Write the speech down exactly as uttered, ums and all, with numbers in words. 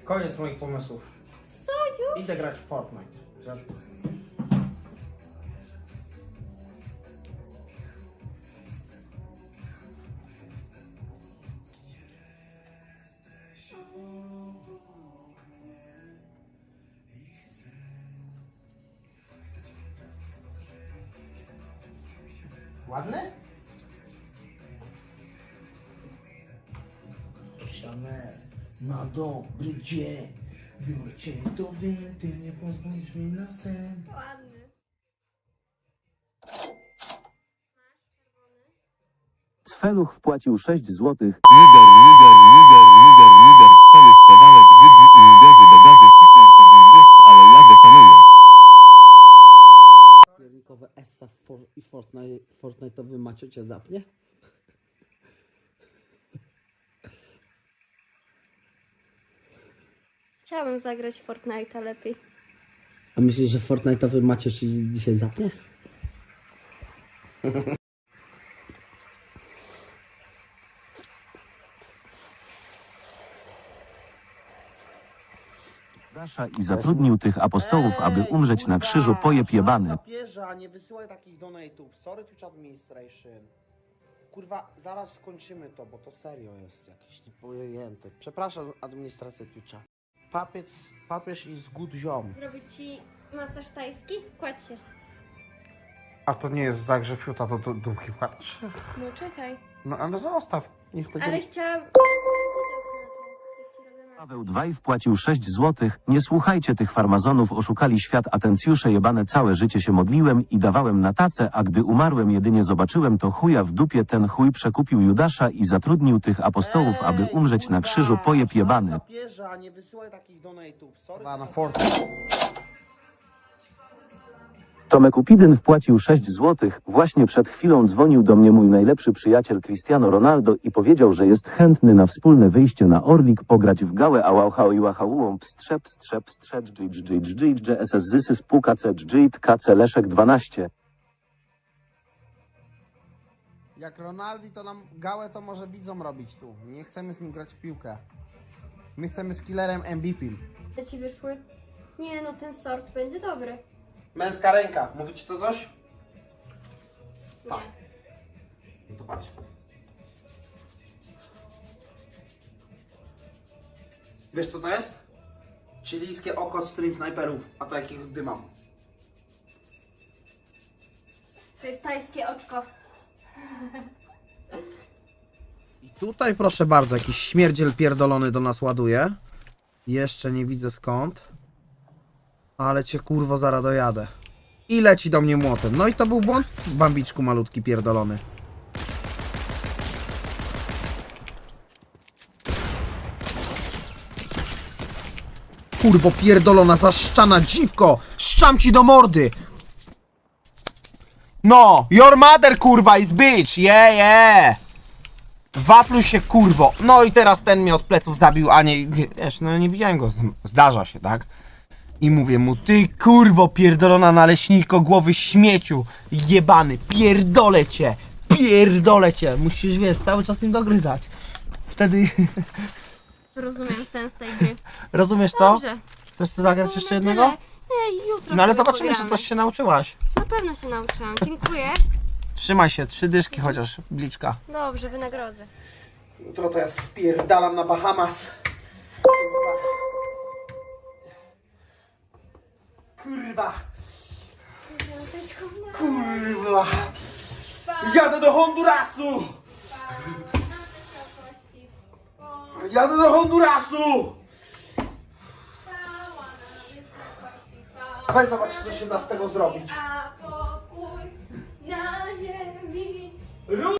Koniec moich pomysłów. Co już? Idę grać w Fortnite. Że... Ładny? Chanel, na dobry dzień. Biorę cię do winty, nie pozwolisz mi na sen. Ładny. Cfeluch wpłacił sześć złotych. Niger, niger, niger, niger, niger, cztery pedałek wydni i uderzy do gazy. Hitler to był deszcz, ale ja go szanuję. Piernikowe essa for, i Fortnite, Fortnite'owy Macio cię zapnie? Chciałabym zagrać w Fortnite'a lepiej. A myślisz, że Fortnite'owy Macio ci dzisiaj zapnie? Dasza i zatrudnił tych apostołów, aby umrzeć na krzyżu, pojeb jebany. Papieża, nie wysyłaj takich donate'ów. Sorry Twitch Administration. Kurwa, zaraz skończymy to, bo to serio jest jakieś niepojęte. Przepraszam administrację Twitcha. Papiec, papież is good ziom. Zrobić ci masaż tajski? Kładź się. A to nie jest tak, że fiuta do du- dupki wkładasz? No czekaj. No ale zostaw. Niech będzie... Ale chciałam... Paweł Dwaj wpłacił sześć złotych. Nie słuchajcie tych farmazonów, oszukali świat, atencjusze jebane, całe życie się modliłem i dawałem na tacę, a gdy umarłem jedynie zobaczyłem to chuja w dupie, ten chuj przekupił Judasza i zatrudnił tych apostołów, aby umrzeć na krzyżu, pojeb jebany. Papieża, nie wysyłaj takich donate'ów. Sorry. Na Fortnite. Tomek Upidyn wpłacił sześć złotych. Właśnie przed chwilą dzwonił do mnie mój najlepszy przyjaciel Cristiano Ronaldo i powiedział, że jest chętny na wspólne wyjście na Orlik, pograć w gałę, a łauchał i łachałą pstrzep, strzep, strzep, dżdż, dżdż, dżdż, dż, ss, zysys, puka, c, dżdż, kc, leszek dwanaście. Jak Ronaldi, to nam gałę to może widzom robić tu. Nie chcemy z nim grać w piłkę. My chcemy z killerem M V P. Te ci wyszły? Nie no, ten sort będzie dobry. Męska ręka. Mówi ci to coś? Nie. No to patrz. Wiesz co to jest? Chilijskie oko stream snajperów. A to jakiego gdy mam? To jest tajskie oczko. I tutaj proszę bardzo, jakiś śmierdziel pierdolony do nas ładuje. Jeszcze nie widzę skąd. Ale cię kurwo zaraz dojadę. I leci do mnie młotem. No i to był błąd, bambiczku malutki pierdolony. Kurwo pierdolona, zaszczana dziwko! Szczam ci do mordy! No! Your mother kurwa is bitch! Yeah, yeah! Wapluj się kurwo! No i teraz ten mnie od pleców zabił, a nie... Wiesz, no nie widziałem go, zdarza się, tak? I mówię mu, ty kurwo pierdolona naleśniko głowy śmieciu, jebany, pierdolę cię, pierdolę cię. Musisz, wiesz, cały czas im dogryzać. Wtedy... Rozumiem sens tej gry. Rozumiesz to? Dobrze. Chcesz sobie zagrać jeszcze jednego? Ej, jutro No ale sobie zobaczymy, czy pogramy. coś się nauczyłaś. Na pewno się nauczyłam. Dziękuję. Trzymaj się, trzy dyszki chociaż, bliczka. Dobrze, wynagrodzę. Jutro to ja spierdalam na Bahamas. Kurwa. Kurwa. Jadę do Hondurasu. Jadę do Hondurasu. Weź zobacz, co się da z tego zrobić. A pokój na ziemi.